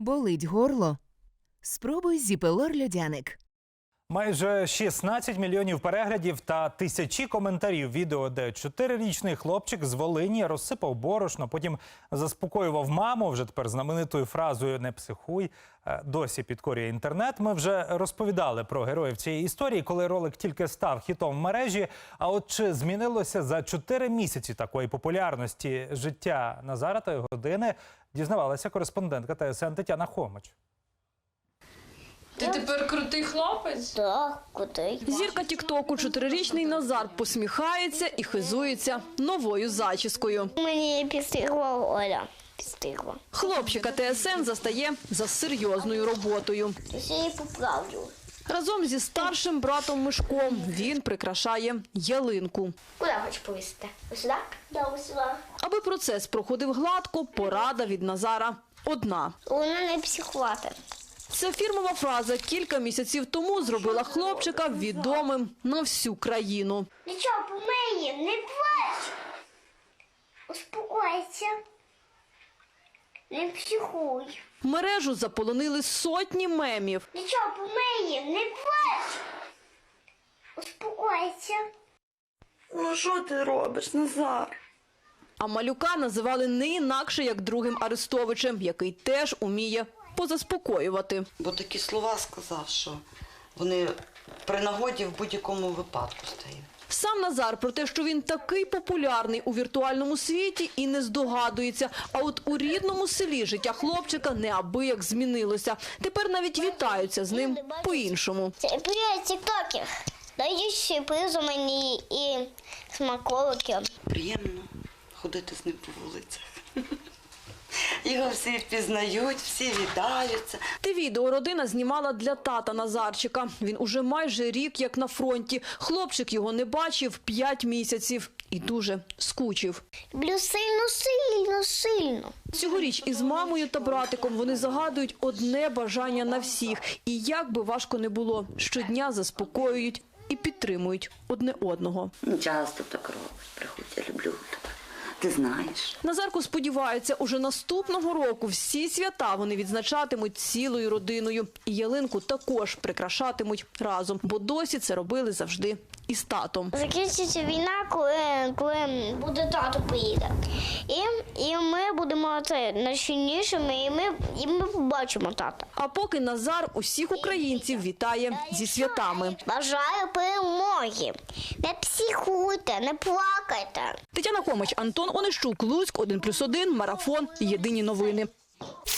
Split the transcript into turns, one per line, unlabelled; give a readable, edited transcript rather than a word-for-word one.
Болить горло? Спробуй Зіпелор-льодяник.
Майже 16 мільйонів переглядів та тисячі коментарів відео, де 4-річний хлопчик з Волині розсипав борошно, потім заспокоював маму, вже тепер знаменитою фразою «не психуй», досі підкорює інтернет. Ми вже розповідали про героїв цієї історії, коли ролик тільки став хітом в мережі. А от чи змінилося за 4 місяці такої популярності життя Назара та його родини, дізнавалася кореспондентка ТСН Тетяна Хомич.
Ти тепер крутий хлопець?
Так, крутий.
Зірка тіктоку 4-річний Назар посміхається і хизується новою зачіскою.
Мені підстригла Оля. Підстригла.
Хлопчика ТСН застає за серйозною роботою.
Я її поправлю.
Разом зі старшим братом Мишком він прикрашає ялинку.
Куди хочеш повісити? Ось сюди? Да, ось сюди.
Аби процес проходив гладко, порада від Назара одна.
Вона не психувати.
Ця фірмова фраза кілька місяців тому зробила хлопчика відомим на всю країну.
Нічого, помиє, не плач. Успокойся. Не психуй.
Мережу заполонили сотні мемів.
Нічого, помиє, не плач. Успокойся.
Ну що ти робиш, Назар?
А малюка називали не інакше, як другим Арестовичем, який теж уміє позаспокоювати.
Бо такі слова сказав, що вони при нагоді в будь-якому випадку стають.
Сам Назар про те, що він такий популярний у віртуальному світі, і не здогадується. А от у рідному селі життя хлопчика неабияк змінилося. Тепер навіть вітаються з ним по-іншому.
Це привіт, тіктокер. Дають сюрпризи мені і смаколики.
Приємно ходити з ним по вулицях. Його всі впізнають, всі вітаються.
Те відео родина знімала для тата Назарчика. Він уже майже рік як на фронті. Хлопчик його не бачив 5 місяців і дуже скучив.
Люблю сильно, сильно, сильно.
Цьогоріч із мамою та братиком вони загадують одне бажання на всіх. І як би важко не було, щодня заспокоюють і підтримують одне одного.
Часто так робиш, приходь, я люблю тебе. Ти знаєш.
Назарко сподівається, уже наступного року всі свята вони відзначатимуть цілою родиною. І ялинку також прикрашатимуть разом, бо досі це робили завжди із татом.
Закінчиться війна, коли буде тато приїде. І ми будемо найсильнішими, і ми побачимо тата.
А поки Назар усіх українців вітає зі святами.
Бажаю перемоги. Не психуйте, не плакайте.
Тетяна Хомич, Антон Онищук, Луцьк, 1+1, Марафон, Єдині новини.